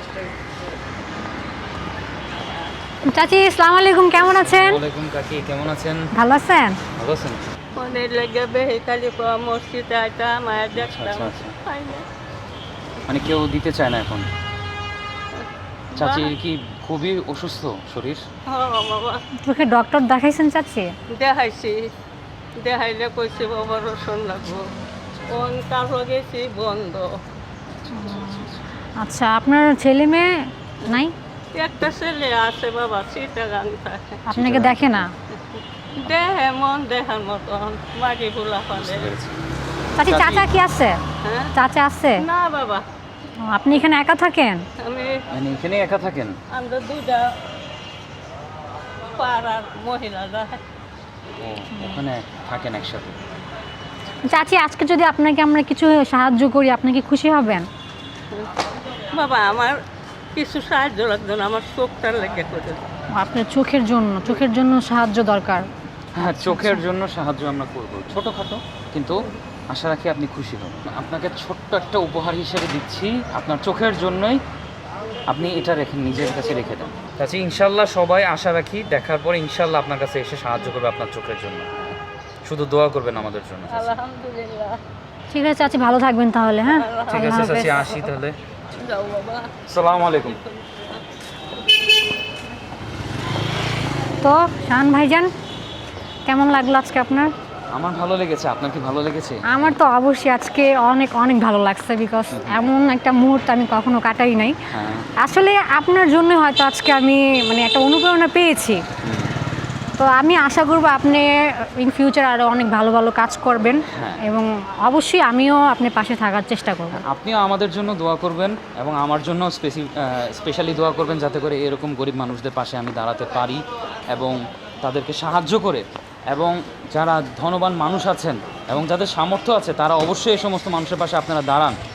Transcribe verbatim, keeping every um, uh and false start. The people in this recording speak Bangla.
চাচি আসসালামু আলাইকুম, কেমন আছেন? ওয়ালাইকুম কাকি, কেমন আছেন? ভালো আছেন? ভালো আছেন? অনেক লেগে বেহিকালি মসজিদে আইতাম মায়ের দেখতাম আচ্ছা, আচ্ছা। পাই না। মানে কেউ দিতে চায় না এখন। চাচি কি খুবই অসুস্থ শরীর? হ্যাঁ বাবা, চোখে ডক্টর দেখাইছেন চাচি? দেখাইছি, দেখাইলে কইছি বাবা রসুন লাগবো, কোন কারো গেছি বন্ধ। আচ্ছা, আপনার ছেলে মেয়ে নাই? একটা ছেলে আছে বাবা, চিটাগাং থাকে, আপনাকে দেখে না? দেহে মন দেখার মতন মাটি ভুলা ফেলে। বুঝতে পেরেছি। চাচি, চাচি- চাচা কি আছে? হ্যাঁ চাচা আছে? না বাবা, ও, আপনি এখানে একা থাকেন? আমি মানে এখানে একা থাকেন? আমরা দুটা পাড়ার মহিলারা। ও, ওখানে থাকেন একসাথে? চাচি, আজকে যদি আপনাকে আমরা কিছু সাহায্য করি, আপনি কি খুশি হবেন? বাবা আমার কিছু সাহায্য লাগতো না, আমার চোখটা লেগে করে দাও। ও, আপনার চোখের জন্য চোখের জন্য সাহায্য দরকার। হ্যাঁ, চোখের জন্য সাহায্য আমরা করব, ছোটোখাটো, কিন্তু আশা রাখি আপনি খুশি হবেন। আপনাকে ছোট্ট একটা উপহার হিসেবে দিচ্ছি, আপনার চোখের জন্যই। আপনি এটা রেখে নিজের কাছে রেখে দেন। চাচি, ইনশাল্লাহ সবাই আশা রাখি দেখার পর ইনশাল্লাহ আপনার কাছে এসে সাহায্য করবে আপনার চোখের জন্য। শুধু দোয়া করবেন আমাদের জন্য। চাচি। আলহামদুলিল্লাহ। ঠিক আছে চাচি, ভালো থাকবেন তাহলে। হ্যাঁ, ঠিক আল্লাহ আছে হাফেজ। চাচি, আসি তাহলে। যাও বাবা। আসসালামু আলাইকুম। তো শাহান ভাইজান, কেমন লাগলো আজকে আপনার? আমার ভালো লেগেছে, আপনার কি ভালো লেগেছে? আমার তো অবশ্যই আজকে অনেক অনেক ভালো লাগছে, বিকজ এমন একটা মুহূর্ত আমি কখনো কাটাই নাই। হ্যাঁ। আসলে আপনার জন্য হয়তো আজকে আমি মানে একটা অনুপ্রেরণা পেয়েছি। তো আমি আশা করব আপনি ইন ফিউচার আরও অনেক ভালো ভালো কাজ করবেন, হ্যাঁ। এবং অবশ্যই আমিও আপনার পাশে থাকার চেষ্টা করব। আপনিও আমাদের জন্য দোয়া করবেন এবং আমার জন্য স্পেসি স্পেশালি দোয়া করবেন, যাতে করে এরকম গরিব মানুষদের পাশে আমি দাঁড়াতে পারি এবং তাদেরকে সাহায্য করে, এবং যারা ধনবান মানুষ আছেন এবং যাদের সামর্থ্য আছে তারা অবশ্যই এই সমস্ত মানুষের পাশে আপনারা দাঁড়ান।